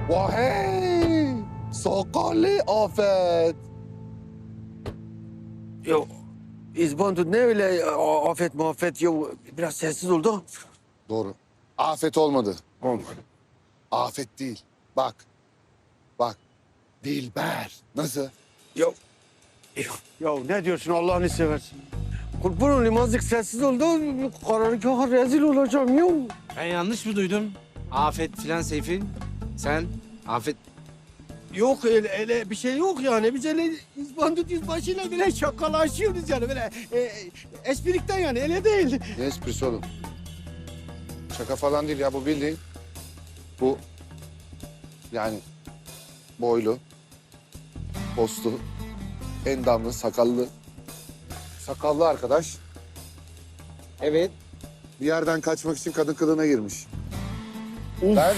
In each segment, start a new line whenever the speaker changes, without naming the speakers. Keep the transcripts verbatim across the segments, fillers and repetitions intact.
Vahey! Sakallı Afet.
Ya İzbandut ne öyle a- afet muhaffet ya biraz sessiz oldu.
Doğru. Afet olmadı.
Olmadı.
Afet değil. Bak. Bak. Dilber. Nasıl?
Ya, ya, ya ne diyorsun Allah'ını seversin. Kurban olayım azıcık sessiz oldu. Karargaha rezil olacağım ya.
Ben yanlış mı duydum? Afet filan Seyfi. Sen Afet...
Yok öyle, öyle bir şey yok yani. Biz öyle İzbandut yüzbaşıyla bile şakalaşıyoruz yani. Böyle e, esprikten yani öyle değil.
Ne esprisi oğlum? Şaka falan değil ya bu bildiğin. Bu yani boylu, postlu, endamlı, sakallı, sakallı arkadaş
Evet.
bir yerden kaçmak için kadın kılığına girmiş. Ben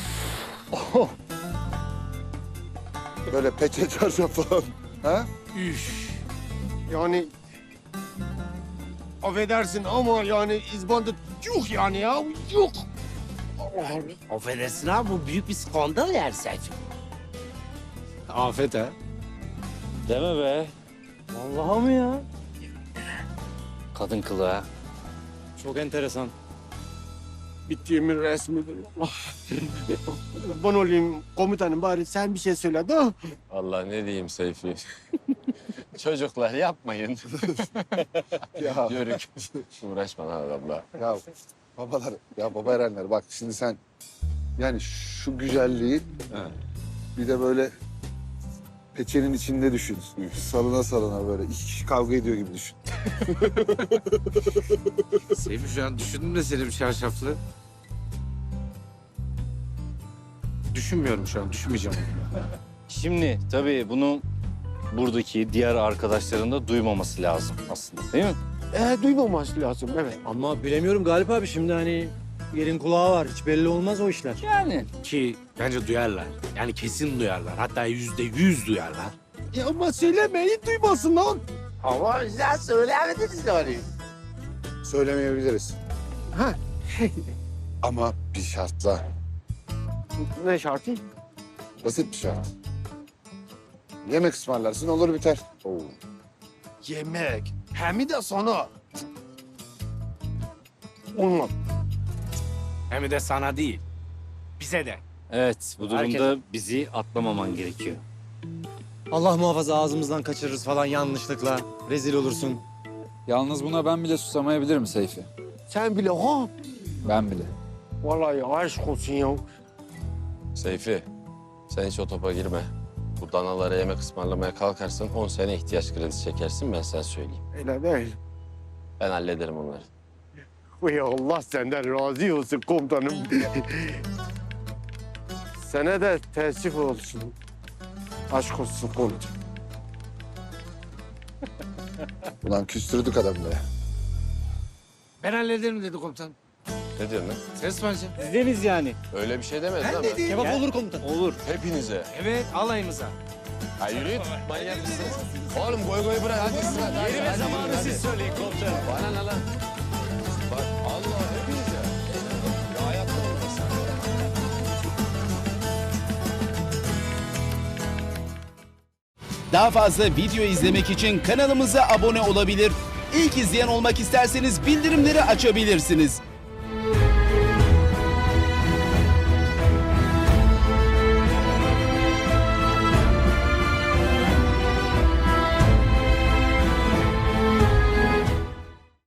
böyle peçe çarşaf falan. Ha?
Üf. Yani affedersin ama yani İzbandut yuh yani ya yuh.
Affedersin abi bu büyük bir skandal yer Seyfi. Afet ha?
Deme be.
Vallahi mı ya?
Kadın kılığı ha.
Çok enteresan.
Bittiğimin resmidir. Allah. Ben olayım komutanım bari sen bir şey söyle de.
Allah ne diyeyim Seyfi. Çocuklar yapmayın.
Ya,
Yörük. Uğraşma lan adamla.
ya babalar, ya baba erenler bak şimdi sen yani şu güzelliği bir de böyle peçenin içinde düşün. Salına salına böyle iki kişi kavga ediyor gibi düşün.
Seyfi şu an düşündüm de seni bir şarşaflı. Düşünmüyorum şu an, düşünmeyeceğim.
Şimdi tabii bunu buradaki diğer arkadaşların da duymaması lazım aslında değil mi?
Ee, duymaması lazım evet.
Ama bilemiyorum Galip abi şimdi hani yerin kulağı var. Hiç belli olmaz o işler.
Yani.
Ki bence duyarlar. Yani kesin duyarlar. Hatta yüzde yüz duyarlar.
Ya ama söylemeyi duymasın lan.
Ama sen söylemediniz yani.
Söylemeyebiliriz.
Ha.
Ama bir şartla.
Ne şartı?
Basit bir şart. Yemek ısmarlarsın olur biter. Oo.
Yemek. Hem de sana. Olmaz.
Hem de sana değil. Bize de.
Evet bu durumda
Herkes-
bizi atlamaman gerekiyor.
Allah muhafaza ağzımızdan kaçırırız falan yanlışlıkla. Rezil olursun.
Yalnız buna ben bile susamayabilirim Seyfi.
Sen bile ha.
Ben bile.
Vallahi aşk olsun ya.
Seyfi, sen hiç o topa girme. Bu danalara yemek ısmarlamaya kalkarsın, on sene ihtiyaç kredisi çekersin, ben sana söyleyeyim.
Öyle değil.
Ben hallederim onları.
Uy Allah senden razı olsun komutanım. Sana da teessüf olsun. Aşk olsun komutanım.
Ulan küstürdük adamları.
Ben hallederim dedi komutan.
Ne diyorsun lan?
Ses bence.
Deniz yani.
Öyle bir şey demedin ama.
Kebap
Ya.
olur komutan.
Olur.
Hepinize.
Evet alayımıza.
Ha yürü git. Manyak mısın? Oğlum goy goy bırak hadi sıra. Yeri ve zamanı siz söyleyin komutanım. Bana ne lan? Bak Allah hepinize. Ya hayatta olmaz.
Daha fazla video izlemek için kanalımıza abone olabilir. İlk izleyen olmak isterseniz bildirimleri açabilirsiniz.